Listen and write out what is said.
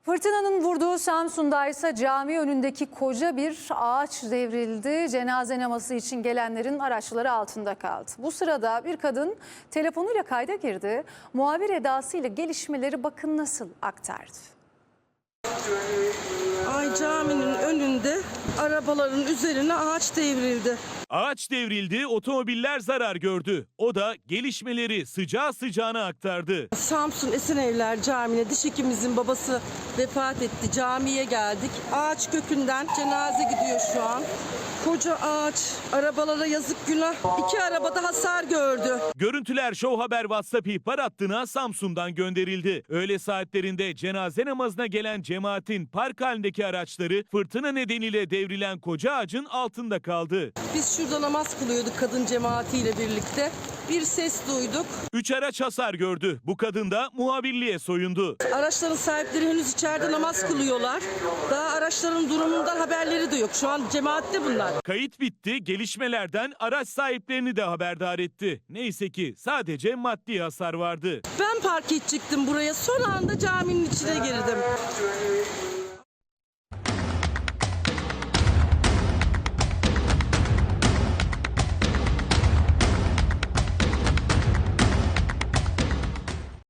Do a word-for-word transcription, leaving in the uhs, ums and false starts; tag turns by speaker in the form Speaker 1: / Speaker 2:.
Speaker 1: Fırtınanın vurduğu Samsun'da ise cami önündeki koca bir ağaç devrildi. Cenaze namazı için gelenlerin araçları altında kaldı. Bu sırada bir kadın telefonuyla kayda girdi. Muhabir edasıyla gelişmeleri bakın nasıl aktardı.
Speaker 2: Ay caminin önünde arabaların üzerine ağaç devrildi.
Speaker 3: Ağaç devrildi, otomobiller zarar gördü. O da gelişmeleri sıcağı sıcağına aktardı.
Speaker 2: Samsun Esenevler Camii'ne diş hekimimizin babası vefat etti. Camiye geldik. Ağaç kökünden cenaze gidiyor şu an. Koca ağaç, arabalara yazık günah. İki arabada hasar gördü.
Speaker 3: Görüntüler Show Haber WhatsApp ihbar hattına Samsun'dan gönderildi. Öğle saatlerinde cenaze namazına gelen cemaatin park halindeki araçları fırtına nedeniyle devrilen koca ağacın altında kaldı.
Speaker 2: Biz şurada namaz kılıyorduk kadın cemaatiyle birlikte. Bir ses duyduk.
Speaker 3: Üç araç hasar gördü. Bu kadın da muhabirliğe soyundu.
Speaker 2: Araçların sahipleri henüz içeride namaz kılıyorlar. Daha araçların durumundan haberleri de yok. Şu an cemaatte bunlar.
Speaker 3: Kayıt bitti, gelişmelerden araç sahiplerini de haberdar etti. Neyse ki sadece maddi hasar vardı.
Speaker 2: Ben park edecektim buraya. Son anda caminin içine girdim.